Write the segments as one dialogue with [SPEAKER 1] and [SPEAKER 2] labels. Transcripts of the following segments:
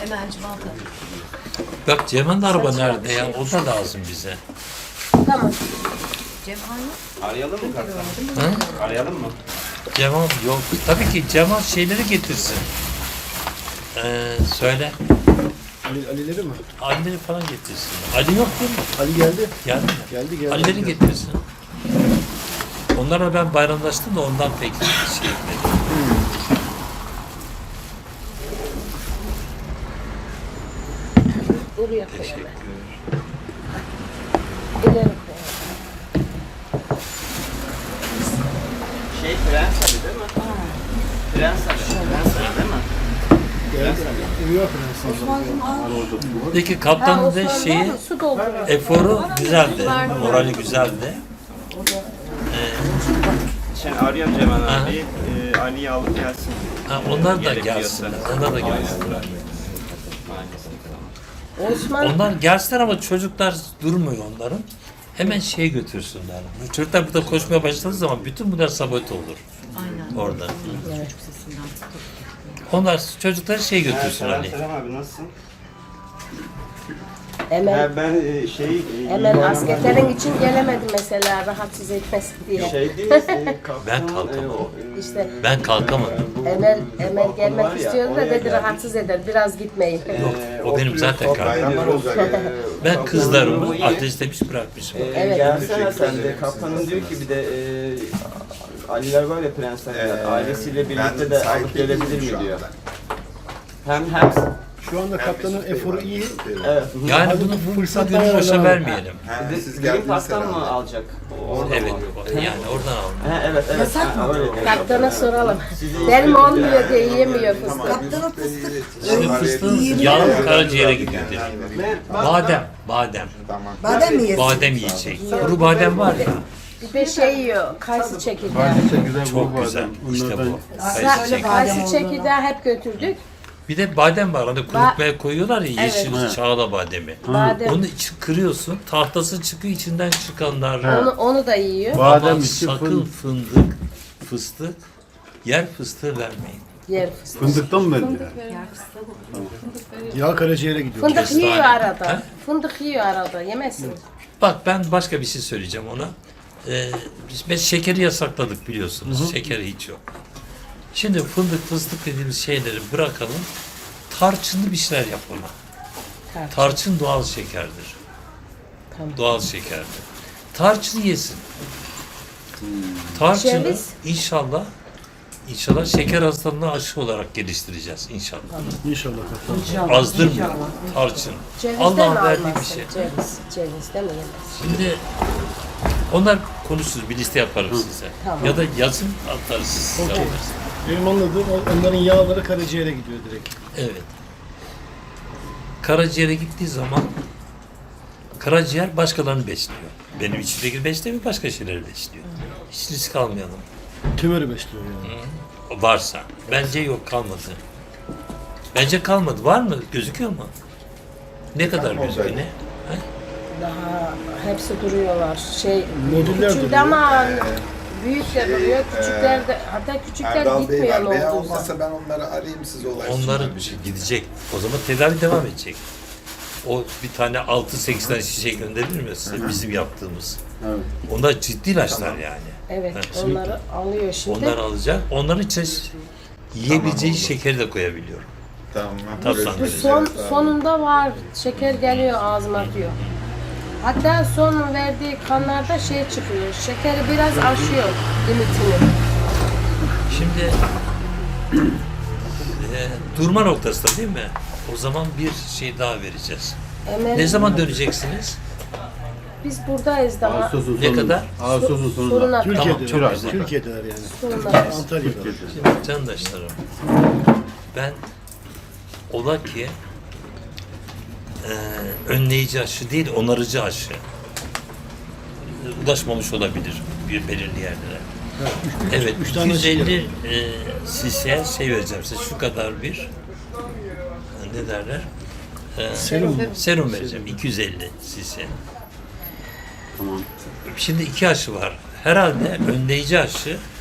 [SPEAKER 1] Hemen civata.
[SPEAKER 2] Bak Cemal'in araba nerede ya? O da lazım bize.
[SPEAKER 3] Tamam.
[SPEAKER 1] Cemal yok.
[SPEAKER 4] Arayalım mı kaptan?
[SPEAKER 2] Hı?
[SPEAKER 4] Arayalım mı?
[SPEAKER 2] Cemal yok. Tabii ki Cemal şeyleri getirsin. Söyle.
[SPEAKER 5] Ali'leri mi?
[SPEAKER 2] Ali'leri falan getirsin. Ali yok değil mi?
[SPEAKER 5] Ali geldi.
[SPEAKER 2] Geldi mi?
[SPEAKER 5] Geldi.
[SPEAKER 2] Ali'leri getirsin. Onlarla ben bayramlaştım da ondan pek şey etmedim.
[SPEAKER 3] Buraya koyalım.
[SPEAKER 2] Teşekkür.
[SPEAKER 3] İleri koyalım.
[SPEAKER 4] Prens Ali değil mi? Prens Ali değil mi?
[SPEAKER 5] Uyuyor Fransız.
[SPEAKER 2] Peki kaptanın da
[SPEAKER 3] Osman
[SPEAKER 2] şeyi
[SPEAKER 3] var mı? Su dolduruyor.
[SPEAKER 2] eforu güzeldi. Morali güzeldi.
[SPEAKER 4] Şimdi arıyorum Cemal
[SPEAKER 2] Aha.
[SPEAKER 4] abi. Ali'yi alıp gelsin.
[SPEAKER 2] Ha, onlar da
[SPEAKER 4] Gerekiyorsa.
[SPEAKER 2] gelsin. Onlar da gelsin.
[SPEAKER 3] Osman
[SPEAKER 2] Onlar gelsinler ama çocuklar durmuyor onların. Hemen şeye götürsünler. Bu çocuklar burada koşmaya başladığı zaman bütün bunlar sabote olur.
[SPEAKER 1] Aynen.
[SPEAKER 2] Orada.
[SPEAKER 1] Çocuk sesinden.
[SPEAKER 2] Onlar çocukları şey götürsün
[SPEAKER 4] Selam
[SPEAKER 2] hani.
[SPEAKER 4] Selam abi nasılsın?
[SPEAKER 3] Emel,
[SPEAKER 4] Ben
[SPEAKER 3] Emel askerlerin için gelemedi mesela rahatsız etmesin diye.
[SPEAKER 4] Şey değil
[SPEAKER 2] Ben kalkamam.
[SPEAKER 3] İşte
[SPEAKER 2] Ben kalkamadım.
[SPEAKER 3] Emel gelmek istiyordu da dedi rahatsız eder biraz gitmeyin.
[SPEAKER 2] Yok, o benim zaten kalkamam. Ben kızlarımı ateş demiş bırakmışım.
[SPEAKER 3] Evet.
[SPEAKER 4] Gelsene sen de. Kaptanın diyor ki bir de Aliler var ya prensler ailesiyle birlikte de alıp gelebilir mi diyor. Hem
[SPEAKER 5] Şu anda kaptanın eforu iyi.
[SPEAKER 4] evet.
[SPEAKER 2] Yani bunu fırsat gönül boşa vermeyelim.
[SPEAKER 4] Siz Green Park'tan mı alacak? Orada
[SPEAKER 2] Evet,
[SPEAKER 4] mı?
[SPEAKER 2] yani oradan al.
[SPEAKER 4] Ha, evet.
[SPEAKER 1] Yasak mı?
[SPEAKER 4] Öyle.
[SPEAKER 3] Kaptana soralım. Benim olmuyor diye yiyemiyor fıstık.
[SPEAKER 1] Kaptanın fıstık.
[SPEAKER 2] Şimdi fıstığın yağı karaciğere gidiyor dedi. Badem.
[SPEAKER 1] Badem mi yesin?
[SPEAKER 2] Badem yiyecek. Kuru badem var ya.
[SPEAKER 3] Bir de şey yiyor, kayısı çekirdeği.
[SPEAKER 2] Çok güzel. İşte bu. Kayısı
[SPEAKER 1] Söyle
[SPEAKER 2] çekirdeği.
[SPEAKER 1] badem
[SPEAKER 3] Kayısı çekirdeği hep götürdük.
[SPEAKER 2] Bir de badem var. Hani kurutmaya koyuyorlar ya yeşil
[SPEAKER 3] Evet.
[SPEAKER 2] çağla bademi.
[SPEAKER 3] Badem.
[SPEAKER 2] Onu kırıyorsun. Tahtası çıkıyor içinden çıkanlar.
[SPEAKER 3] Onu da yiyor.
[SPEAKER 2] Ama sakın fındık, fıstık, yer fıstığı vermeyin.
[SPEAKER 3] Yer fıstık.
[SPEAKER 5] Fındıktan mı verdi ya? Yağ karaciğere gidiyor.
[SPEAKER 3] Fındık
[SPEAKER 2] Kestane.
[SPEAKER 3] yiyor arada.
[SPEAKER 2] Ha?
[SPEAKER 3] Fındık yiyor arada. Yemezsin.
[SPEAKER 2] Bak ben başka bir şey söyleyeceğim ona. Biz şekeri yasakladık biliyorsunuz. Şekeri hiç yok. Şimdi fındık, fıstık dediğimiz şeyleri bırakalım. Tarçınlı bir şeyler yapalım. Tarçın doğal şekerdir.
[SPEAKER 3] Tamam.
[SPEAKER 2] Doğal şekerdir. Tarçın yesin. Tarçını
[SPEAKER 3] Ceviz?
[SPEAKER 2] inşallah şeker hastalığına aşı olarak geliştireceğiz inşallah.
[SPEAKER 5] İnşallah kaptan.
[SPEAKER 2] Azdırmıyor tarçın.
[SPEAKER 3] Cevizden
[SPEAKER 2] Allah'ın verdiği bir
[SPEAKER 3] almazsın.
[SPEAKER 2] şey.
[SPEAKER 3] Cevizden mi yemez?
[SPEAKER 2] Şimdi onlar konuşuruz, bir liste yaparım size.
[SPEAKER 3] Tamam.
[SPEAKER 2] Ya da yazın atarız size. alırsınız.
[SPEAKER 5] Benim anladığım onların yağları karaciğere gidiyor direkt.
[SPEAKER 2] Evet. Karaciğere gittiği zaman karaciğer başkalarını besliyor. Benim içimdeki beslemiyor, başka şeyleri besliyor. Hiç risk almayalım.
[SPEAKER 5] Tümörü besliyor yani.
[SPEAKER 2] Varsa. Bence yok, kalmadı. Bence kalmadı. Var mı? Gözüküyor mu? Ne kadar gözüküyor? Ne? Ha?
[SPEAKER 3] Daha hepsi duruyorlar.
[SPEAKER 5] Modüller
[SPEAKER 3] Küçüldü
[SPEAKER 5] duruyor.
[SPEAKER 3] ama büyük de duruyor. Küçükler de hatta küçükler
[SPEAKER 6] Erdal Bey
[SPEAKER 3] gitmiyor
[SPEAKER 6] var.
[SPEAKER 3] ne
[SPEAKER 6] Veya
[SPEAKER 3] olduğu zaman.
[SPEAKER 6] olmazsa ben onları arayayım siz olay.
[SPEAKER 2] Onların gidecek. O zaman tedavi devam edecek. O bir tane 6-8 tane şişe gönderilir mi size bizim yaptığımız?
[SPEAKER 5] Evet.
[SPEAKER 2] Onlar ciddi ilaçlar yani.
[SPEAKER 3] Evet,
[SPEAKER 2] Ha,
[SPEAKER 3] onları alıyor şimdi.
[SPEAKER 2] Onları alacak. Onların içine yiyebileceği
[SPEAKER 6] oldu.
[SPEAKER 2] şekeri de koyabiliyorum.
[SPEAKER 6] Tamam.
[SPEAKER 2] Tatlandırıcı.
[SPEAKER 3] Bu sonunda var. Şeker geliyor ağzıma diyor. Hatta son verdiği kanlarda şey çıkıyor. Şekeri biraz aşıyor limitini.
[SPEAKER 2] Şimdi durma noktasında değil mi? O zaman bir şey daha vereceğiz. Ne zaman döneceksiniz?
[SPEAKER 3] Biz buradayız daha.
[SPEAKER 2] Ne kadar?
[SPEAKER 7] Ağustos'un sonunda.
[SPEAKER 3] Soruna
[SPEAKER 2] Tamam,
[SPEAKER 5] Türkiye'de.
[SPEAKER 2] çok güzel.
[SPEAKER 5] Türkiye'deler yani.
[SPEAKER 3] soruna.
[SPEAKER 5] Antalya'da.
[SPEAKER 2] Şimdi candaşlarım, ben ola ki önleyici aşı değil, onarıcı aşı ulaşmamış olabilir bir belirli yerlere. Evet,
[SPEAKER 5] üç tane
[SPEAKER 2] 250 cc'ye şey vereceğim size, şu kadar bir ne derler? Serum vereceğim, 250 cc.
[SPEAKER 7] Tamam.
[SPEAKER 2] Şimdi iki aşı var. Herhalde önleyici aşı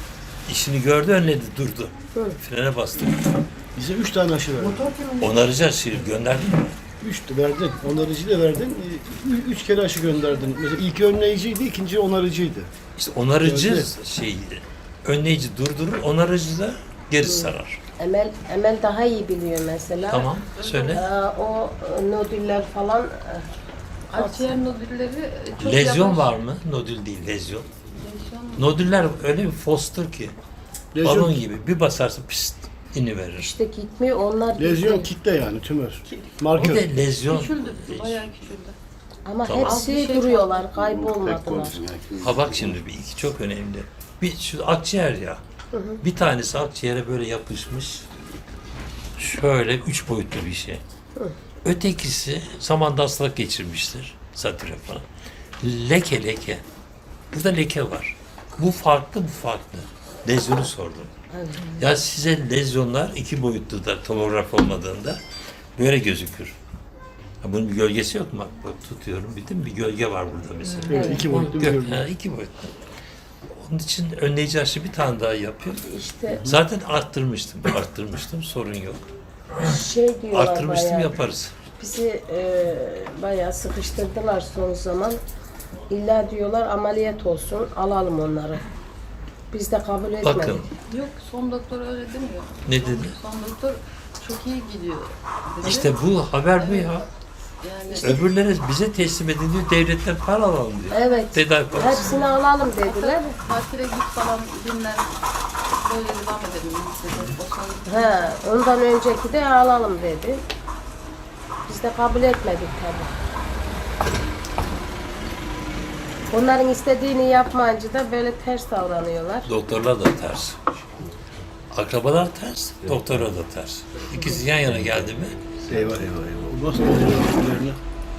[SPEAKER 2] İşini gördü, önledi, durdu. Frene bastı.
[SPEAKER 5] Bize 3 tane aşı verdin.
[SPEAKER 2] Onaracağız şimdi, gönderdin mi?
[SPEAKER 5] 3 verdin. Onarıcı da verdin. 3 kere aşı gönderdin. Mesela ilk önleyiciydi, ikinci onarıcıydı.
[SPEAKER 2] İşte onarıcı
[SPEAKER 5] Evet.
[SPEAKER 2] önleyici durdurur, onarıcı da geri sarar.
[SPEAKER 3] Emel daha iyi biliyor mesela.
[SPEAKER 2] Tamam, söyle.
[SPEAKER 3] O nodüller falan
[SPEAKER 7] Akciğer nodülleri çok
[SPEAKER 2] Lezyon
[SPEAKER 7] yavaş.
[SPEAKER 2] var mı? Nodül değil, lezyon. Nodüller öyle bir fostur ki,
[SPEAKER 5] Lezyon,
[SPEAKER 2] balon gibi bir basarsın pist iniverir.
[SPEAKER 3] işte gitmiyor onlar
[SPEAKER 5] lezyon
[SPEAKER 3] gitti.
[SPEAKER 5] kitle yani tümör.
[SPEAKER 2] O
[SPEAKER 5] Markör.
[SPEAKER 2] da lezyon.
[SPEAKER 7] Küçüldü, bayağı küçüldü.
[SPEAKER 3] Ama
[SPEAKER 2] Tamam.
[SPEAKER 3] hepsi
[SPEAKER 7] Az bir şey
[SPEAKER 3] duruyorlar, kaybolmadılar.
[SPEAKER 2] Ha bak şimdi bir iki çok önemli. Bir şu akciğer ya. Bir tanesi akciğere böyle yapışmış. Şöyle 3 boyutlu bir şey. Ötekisi zamanda hastalık geçirmiştir. Satüre falan. Leke. Burada leke var. Bu farklı, bu farklı. Lezyonu sordum. Ya size lezyonlar 2 boyutlu da tomograf olmadığında böyle gözükür. Ha, bunun bir gölgesi yok mu? Bak tutuyorum, bildin mi? Bir gölge var burada mesela.
[SPEAKER 5] Evet, 2 boyutlu bir görünüm.
[SPEAKER 2] 2 boyutlu. Onun için önleyici aşı bir tane daha yapıyor.
[SPEAKER 3] İşte
[SPEAKER 2] Zaten arttırmıştım, sorun yok.
[SPEAKER 3] şey diyorlar
[SPEAKER 2] Arttırmıştım,
[SPEAKER 3] bayağı.
[SPEAKER 2] yaparız.
[SPEAKER 3] Bizi bayağı sıkıştırdılar son zaman. İlla diyorlar ameliyat olsun, alalım onları. Biz de kabul etmedik.
[SPEAKER 2] Bakın,
[SPEAKER 7] Yok, son doktor öyle demiyor.
[SPEAKER 2] ne dedi?
[SPEAKER 7] Son doktor çok iyi gidiyor dedi.
[SPEAKER 2] İşte bu haber bu ya.
[SPEAKER 7] Yani
[SPEAKER 2] Öbürleri bize teslim edin diyor, devletten para alalım diyor.
[SPEAKER 3] Evet.
[SPEAKER 2] Tedavi parası.
[SPEAKER 3] Hepsini alalım dediler.
[SPEAKER 7] tatile git falan dinlen. Böyle devam edelim dedi. O son
[SPEAKER 3] He, ondan önceki de alalım dedi. Biz de kabul etmedik tabii. Onların istediğini yapmayınca da böyle ters davranıyorlar.
[SPEAKER 2] Doktorlar da ters. Akrabalar ters, doktorlar da ters. İkisi yan yana geldi mi?
[SPEAKER 6] Eyvah.
[SPEAKER 5] Nasıl oluyor öbürlerine?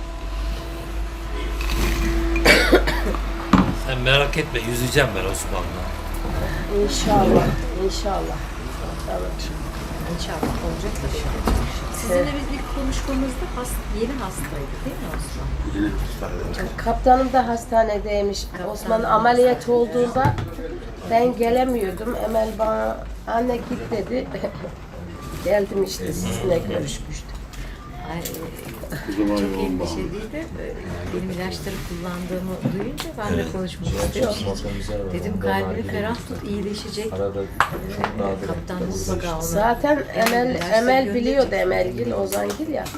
[SPEAKER 2] Sen merak etme, yüzeceğim ben Osman'la.
[SPEAKER 3] İnşallah, inşallah.
[SPEAKER 1] İnşallah olacak da şey. Sizinle biz ilk konuştuğumuzda yeni hastaydı değil mi Osman?
[SPEAKER 3] Kaptanım da hastanedeymiş. Osman ameliyat olduğunda ben gelemiyordum. Emel bana anne git dedi. Geldim işte sizinle görüşmüştüm.
[SPEAKER 1] Ay, çok endişeliydi. Benim ilaçları kullandığımı duyunca ben de konuşmak istedim. Dedim kalbini ferah tut, iyileşecek. Kaptan mutlaka ona.
[SPEAKER 3] Zaten
[SPEAKER 1] ilaçları
[SPEAKER 3] Emel biliyordu
[SPEAKER 1] gönderecek.
[SPEAKER 3] Emelgil, Ozangil ya.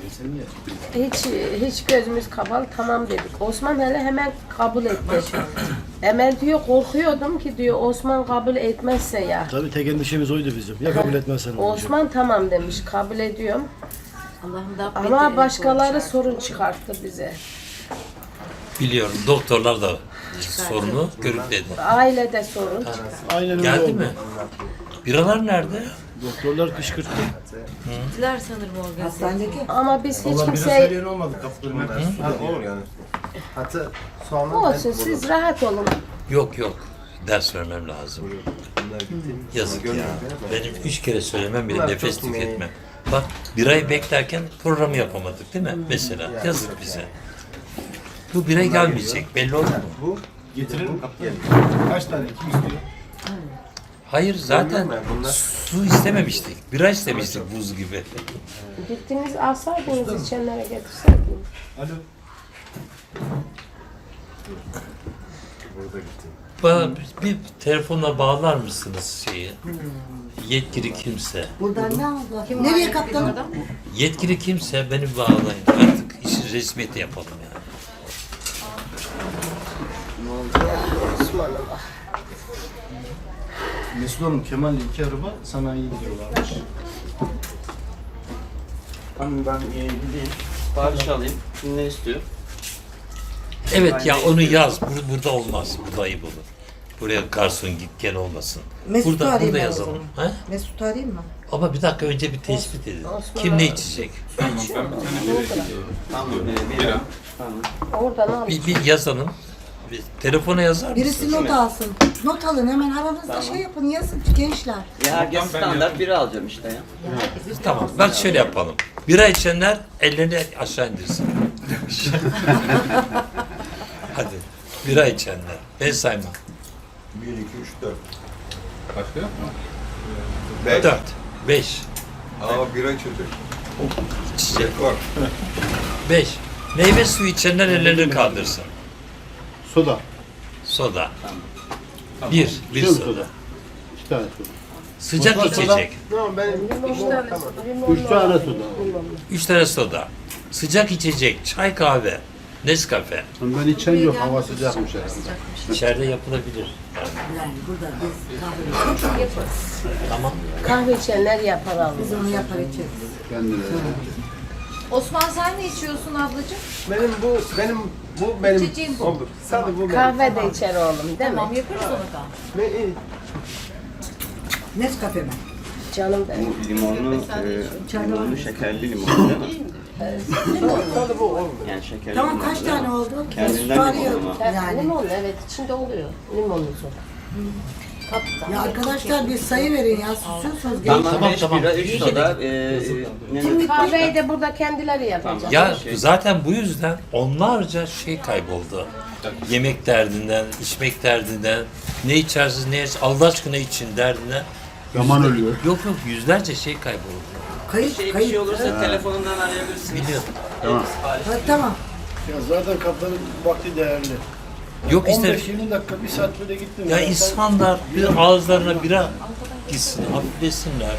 [SPEAKER 3] Hiç gözümüz kapalı tamam dedik. Osman hele hemen kabul etti. Emel diyor korkuyordum ki diyor Osman kabul etmezse ya.
[SPEAKER 5] Tabii tek endişemiz oydu bizim. Ya kabul etmezsen olacak.
[SPEAKER 3] Osman tamam demiş kabul ediyorum.
[SPEAKER 1] Allah'ım da
[SPEAKER 3] Ama başkaları sorun çıkarttı bize.
[SPEAKER 2] Biliyorum, doktorlar da sorunu görükledi.
[SPEAKER 3] Ailede sorun.
[SPEAKER 5] Aynen öyle
[SPEAKER 2] Geldi
[SPEAKER 5] oldu.
[SPEAKER 2] mi? Biralar nerede?
[SPEAKER 5] Doktorlar kışkırttı.
[SPEAKER 1] gittiler sanırım organize.
[SPEAKER 8] Hastanedeki.
[SPEAKER 3] Ama biz hiç
[SPEAKER 9] Valla biraz
[SPEAKER 3] kimseye
[SPEAKER 9] söyleyen olmadı kapılarını. Olur yani. Hatta soğanlar
[SPEAKER 3] olsun siz rahat olun.
[SPEAKER 2] Yok. Ders vermem lazım. Yazık ya. Benim 3 kere söylemem bile
[SPEAKER 9] Bunlar
[SPEAKER 2] nefes
[SPEAKER 9] çok
[SPEAKER 2] tüketmem. Bak bir ay beklerken programı yapamadık değil mi? Mesela yazık bize. Bu bir ay gelmeyecek. Belli oldu mu?
[SPEAKER 9] bu getirir mi kapıya? Kaç tane? Kim istiyor?
[SPEAKER 2] Hayır zaten
[SPEAKER 9] Bunlar-
[SPEAKER 2] su istememiştik. Bira istemiştik buz gibi.
[SPEAKER 3] Gittiniz alsaydınız içenlere getirseydiniz.
[SPEAKER 9] Alo. Burada gitti.
[SPEAKER 2] Bana bir telefonla bağlar mısınız şeyi? Yetkili kimse.
[SPEAKER 8] Buradan ne oldu? Nereye kaptanım?
[SPEAKER 2] Yetkili kimse beni bağlayın. Artık işi resmiyeti yapalım yani.
[SPEAKER 9] Mesut Hanım Kemal'le 2 araba sanayiye gidiyorlarmış.
[SPEAKER 4] Tamam ben gideyim. Sipariş alayım. Kim ne istiyor?
[SPEAKER 2] Evet ya onu yaz. Burada olmaz. Burada ayıp olur. Buraya garson git gel olmasın.
[SPEAKER 8] Mesut'u arayayım
[SPEAKER 2] Burada
[SPEAKER 8] ben o
[SPEAKER 2] yazalım.
[SPEAKER 8] zaman.
[SPEAKER 2] Ha?
[SPEAKER 8] Mesut'u arayayım mı?
[SPEAKER 2] Ama bir dakika önce bir tespit edin.
[SPEAKER 3] Osman
[SPEAKER 2] Kim ne
[SPEAKER 3] abi.
[SPEAKER 2] içecek?
[SPEAKER 4] Tamam. Bira. Tamam.
[SPEAKER 3] Oradan al.
[SPEAKER 2] Bir yazalım. Bir telefona yazar
[SPEAKER 8] Birisi
[SPEAKER 2] mısınız?
[SPEAKER 8] not alsın. Not alın hemen aranızda şey yapın yazın gençler.
[SPEAKER 4] Ya herkes standart bira alacağım işte ya.
[SPEAKER 2] Tamam. Bak şöyle yapalım. Bira içenler ellerini aşağı indirsin. Hadi. Bira içenler. Ben saymam.
[SPEAKER 6] 1, 2, 3, 4.
[SPEAKER 10] Başka yok mu?
[SPEAKER 2] 4. 5.
[SPEAKER 6] Aa bira çocuk.
[SPEAKER 2] İçecek.
[SPEAKER 6] Var.
[SPEAKER 2] 5. Meyve suyu içenler ellerini kaldırsın.
[SPEAKER 5] Soda.
[SPEAKER 2] Soda. Bir
[SPEAKER 5] Tüm
[SPEAKER 2] soda.
[SPEAKER 5] 2 tane soda.
[SPEAKER 2] Sıcak içecek.
[SPEAKER 9] Tamam ben
[SPEAKER 5] Üç tane soda.
[SPEAKER 2] 3 tane soda. Sıcak içecek, çay kahve, Nescafe.
[SPEAKER 5] Ben içen yok, hava sıcakmış herhalde.
[SPEAKER 2] İçeride yapılabilir.
[SPEAKER 8] Yani burada biz kahve
[SPEAKER 2] Tamam.
[SPEAKER 3] Kahve içenler yapar alır.
[SPEAKER 8] biz onu yapar içeriz.
[SPEAKER 5] Kendine.
[SPEAKER 7] Osman sen ne içiyorsun ablacığım?
[SPEAKER 9] benim
[SPEAKER 7] İçeceğim bu.
[SPEAKER 9] olur. Sadece bu benim.
[SPEAKER 3] Kahve de içer oğlum değil mi?
[SPEAKER 7] Tamam yaparız onu da.
[SPEAKER 8] Nescafe mi?
[SPEAKER 3] Canım benim.
[SPEAKER 4] Bu limonlu şekerli limon değil mi?
[SPEAKER 9] Sadece bu olur.
[SPEAKER 4] Yani şekerli
[SPEAKER 8] Tamam
[SPEAKER 4] limon
[SPEAKER 8] kaç
[SPEAKER 4] değil mi?
[SPEAKER 8] tane oldu?
[SPEAKER 4] Kendinden
[SPEAKER 8] Var
[SPEAKER 4] limon
[SPEAKER 8] ya,
[SPEAKER 4] ama.
[SPEAKER 8] yani.
[SPEAKER 3] Limonlu evet içinde oluyor. Limonlu soda. Kaptan.
[SPEAKER 8] Ya arkadaşlar bir sayı verin ya susuyorsunuz.
[SPEAKER 4] Tamam,
[SPEAKER 2] Tamam,
[SPEAKER 4] 5 bira, 3 soda. Ne
[SPEAKER 3] Kahveyi de burada kendileri yapacak.
[SPEAKER 2] Ya zaten bu yüzden onlarca şey kayboldu. Yemek derdinden, içmek derdinden, ne içersiniz, ne içersiniz, Allah aşkına için derdinden.
[SPEAKER 5] Zaman ölüyor.
[SPEAKER 2] Yok yüzlerce şey kayboldu.
[SPEAKER 8] Kayıt
[SPEAKER 4] bir
[SPEAKER 8] kayıt.
[SPEAKER 4] şey olursa telefonundan arayabilirsiniz.
[SPEAKER 2] Biliyorum.
[SPEAKER 8] Ha, tamam.
[SPEAKER 5] Ya zaten kaptanın vakti değerli.
[SPEAKER 2] Yok işte
[SPEAKER 5] 15-20 dakika, 1 saat böyle gittim.
[SPEAKER 2] ya
[SPEAKER 5] Ben-
[SPEAKER 2] insanlar bir ağızlarına bira gitsin, hafiflesinler.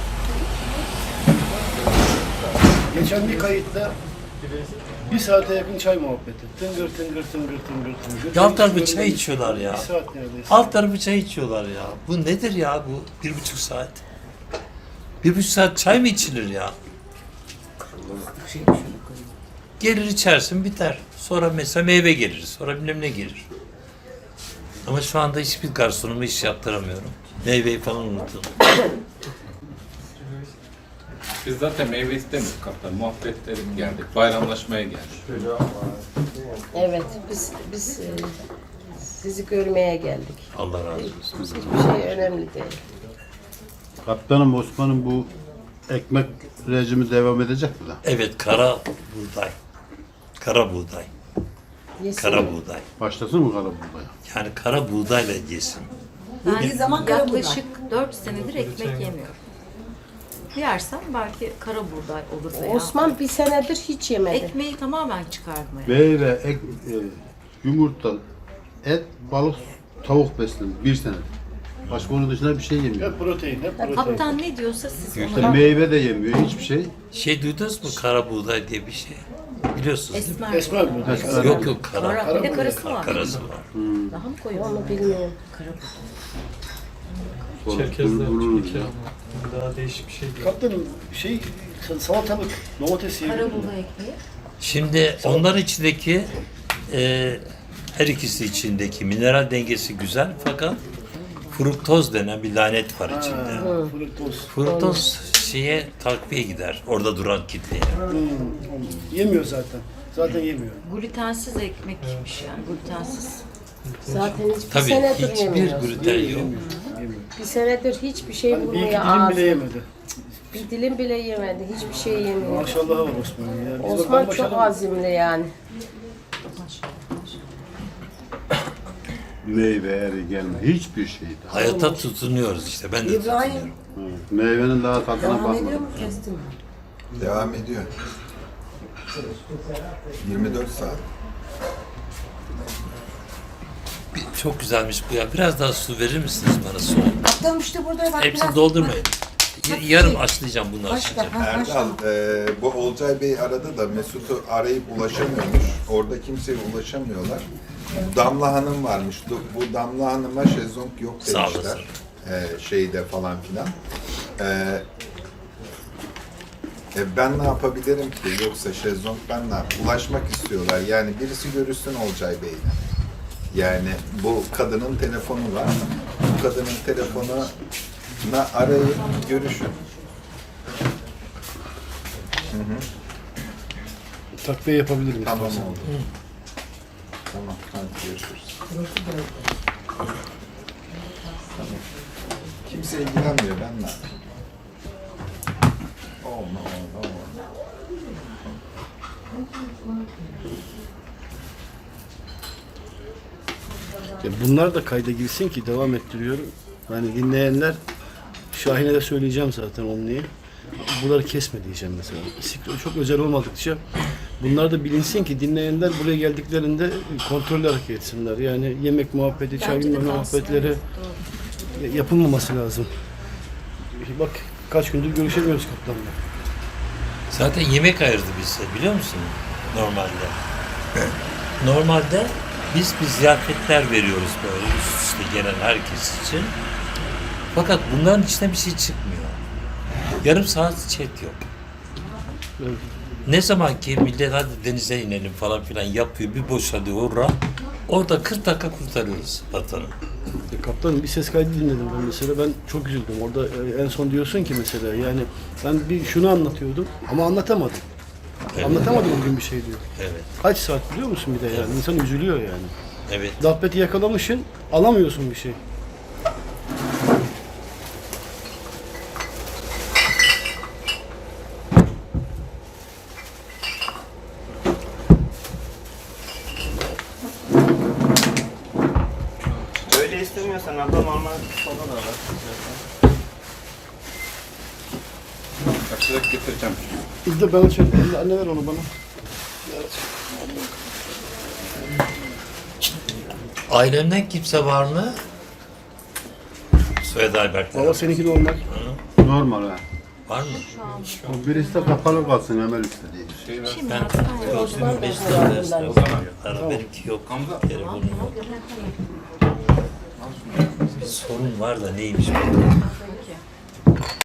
[SPEAKER 5] Geçen bir kayıtta 1 saate yakın çay muhabbeti. Tıngır tıngır tıngır tıngır tıngır.
[SPEAKER 2] Ya alt tarafı çay içiyorlar ya.
[SPEAKER 5] 1 saat neredeyse.
[SPEAKER 2] Alt tarafı çay içiyorlar ya. Bu nedir ya bu 1,5 saat? 1,5 saat çay mı içilir ya? Gelir içersin biter. Sonra mesela meyve gelir. Sonra bilmem ne gelir. Ama şu anda hiçbir garsonuma iş yaptıramıyorum. Meyveyi falan unuttum.
[SPEAKER 10] Biz zaten meyve istemiyoruz kaptan. Muhabbet edelim geldik. Bayramlaşmaya geldik.
[SPEAKER 3] Evet biz sizi görmeye geldik.
[SPEAKER 2] Allah razı olsun.
[SPEAKER 3] Hiçbir şey önemli değil.
[SPEAKER 5] Kaptanım Osman'ın bu ekmek rejimi devam edecek mi da?
[SPEAKER 2] Evet kara buğday. Kara buğday.
[SPEAKER 3] Yesin
[SPEAKER 2] Kara
[SPEAKER 3] mi?
[SPEAKER 2] buğday.
[SPEAKER 5] Başlasın mı kara buğdaya?
[SPEAKER 2] Yani kara buğdayla yesin.
[SPEAKER 8] Bir zaman kara buğday.
[SPEAKER 1] Yaklaşık 4 senedir ekmek yemiyorum. Yersem belki kara buğday olur veya.
[SPEAKER 3] Osman bir senedir hiç yemedi.
[SPEAKER 1] Ekmeği tamamen çıkarmaya.
[SPEAKER 5] Meyve, yumurta, et, balık, tavuk beslenir 1 senedir. Başka onun dışında bir şey yemiyor. Hep protein, hep protein.
[SPEAKER 1] Kaptan ne diyorsa siz
[SPEAKER 5] İşte
[SPEAKER 1] ona
[SPEAKER 5] meyve de yemiyor, hiçbir şey.
[SPEAKER 2] Şey duydunuz mu kara buğday diye bir şey? Biliyorsunuz değil mi?
[SPEAKER 1] esmer.
[SPEAKER 5] Esmer.
[SPEAKER 2] Yok yok kara.
[SPEAKER 1] Kara. Bir de karısı var.
[SPEAKER 2] Karası var.
[SPEAKER 1] Daha mı koyu?
[SPEAKER 3] Onu bilmiyorum.
[SPEAKER 1] Kara buğday.
[SPEAKER 11] Daha değişik bir şey değil.
[SPEAKER 5] Kaptanım salatalık, domates
[SPEAKER 1] Kara buğday ekmeği.
[SPEAKER 2] Şimdi onlar içindeki her ikisi içindeki mineral dengesi güzel fakat fruktoz denen bir lanet var içinde. Fruktoz şeye takviye gider. Orada duran kitleye.
[SPEAKER 5] Yemiyor zaten. Zaten yemiyor.
[SPEAKER 1] Glutensiz ekmekmiş yani. Glutensiz.
[SPEAKER 3] Zaten hiçbir
[SPEAKER 2] Tabii
[SPEAKER 3] senedir
[SPEAKER 2] hiçbir
[SPEAKER 3] yemiyor.
[SPEAKER 2] gluten yok.
[SPEAKER 3] Bir senedir hiçbir şey
[SPEAKER 5] Bir iki
[SPEAKER 3] vurmuyor
[SPEAKER 5] dilim
[SPEAKER 3] ağzına.
[SPEAKER 5] bile yemedi.
[SPEAKER 3] Bir dilim bile yemedi. Hiçbir şey yemiyor.
[SPEAKER 5] Maşallah var Osman'ın ya. Biz
[SPEAKER 3] Osman
[SPEAKER 5] bakalım
[SPEAKER 3] çok
[SPEAKER 5] başaralım.
[SPEAKER 3] azimli yani.
[SPEAKER 5] Meyve, eri gelme. Hiçbir şey daha.
[SPEAKER 2] Hayata tutunuyoruz işte. Ben de
[SPEAKER 8] İbrahim
[SPEAKER 2] tutunuyorum.
[SPEAKER 5] Meyvenin daha tadına
[SPEAKER 8] devam ediyor
[SPEAKER 5] bakmadım.
[SPEAKER 8] mu kestin mi?
[SPEAKER 6] Devam ediyor. 24 saat.
[SPEAKER 2] Çok güzelmiş bu ya. Biraz daha su verir misiniz bana soğuk?
[SPEAKER 8] Kaptanım işte burada bak
[SPEAKER 2] Hepsini
[SPEAKER 8] biraz-
[SPEAKER 2] doldurmayın. Yarım açlayacağım bunu
[SPEAKER 8] Başka.
[SPEAKER 2] açlayacağım.
[SPEAKER 8] Ha, başka.
[SPEAKER 6] Erdal, bu Olcay Bey aradı da Mesut'u arayıp ulaşamıyormuş. Orada kimseye ulaşamıyorlar. Damla Hanım varmış. Bu Damla Hanım'a şezlong yok
[SPEAKER 2] Sağ olasın.
[SPEAKER 6] demişler. Şeyde falan filan. Ben ne yapabilirim ki? Yoksa şezlong ben ne yapayım? Ulaşmak istiyorlar. Yani birisi görüşsün Olcay Bey'le. Yani bu kadının telefonu var. Bu kadının telefonuna arayın, görüşün.
[SPEAKER 5] Takviye yapabilir miyiz?
[SPEAKER 6] Tamam oldu. Tamam, hadi görüşürüz. Tamam. Kimse ilgilenmiyor, ben ne yapayım? Olma.
[SPEAKER 5] Bunlar da kayda girsin ki devam ettiriyorum.
[SPEAKER 12] Hani dinleyenler, Şahin'e de söyleyeceğim zaten onu niye. Buraları kesme diyeceğim mesela. İstiklal çok özel olmadıkça bunlar da bilinsin ki dinleyenler buraya geldiklerinde kontrollü hareket etsinler. Yani yemek muhabbeti, çay
[SPEAKER 1] Bence de
[SPEAKER 12] bilmem
[SPEAKER 1] kalsın,
[SPEAKER 12] muhabbetleri
[SPEAKER 1] evet, doğru.
[SPEAKER 12] yapılmaması lazım. Bak kaç gündür görüşemiyoruz kaptanla.
[SPEAKER 2] Zaten yemek ayırdı bize biliyor musun? Normalde. Normalde biz bir ziyafetler veriyoruz böyle üst üste gelen herkes için. Fakat bunların içinde bir şey çıkmıyor. Yarım saat chat yok.
[SPEAKER 12] Evet.
[SPEAKER 2] Ne zaman ki millet hadi denize inelim falan filan yapıyor, bir boşalıyor orada 40 dakika kurtarıyoruz vatanı.
[SPEAKER 12] Kaptanım bir ses kaydı dinledim ben mesela. Ben çok üzüldüm. Orada en son diyorsun ki mesela yani ben bir şunu anlatıyordum ama anlatamadım.
[SPEAKER 2] Evet.
[SPEAKER 12] Anlatamadım bugün bir şey diyor.
[SPEAKER 2] Evet.
[SPEAKER 12] Kaç saat biliyor musun bir de yani? İnsan üzülüyor yani.
[SPEAKER 2] Evet.
[SPEAKER 12] Dabbeti yakalamışsın, alamıyorsun bir şey.
[SPEAKER 4] Öyle istemiyorsan abla normal soda da var.
[SPEAKER 10] Açarak getireceğim.
[SPEAKER 12] İlde ben açarım. Anne ver onu bana.
[SPEAKER 2] Ailemden kimse var mı? Soyadı Albert.
[SPEAKER 12] Baba seninki de onlar.
[SPEAKER 5] Normal ha.
[SPEAKER 2] Var mı?
[SPEAKER 5] O birisi de kapalı kalsın Emel istediği.
[SPEAKER 2] Ben
[SPEAKER 3] Osman da
[SPEAKER 2] benimki yok. Telefonum yok. Bir sorun var da neymiş bu?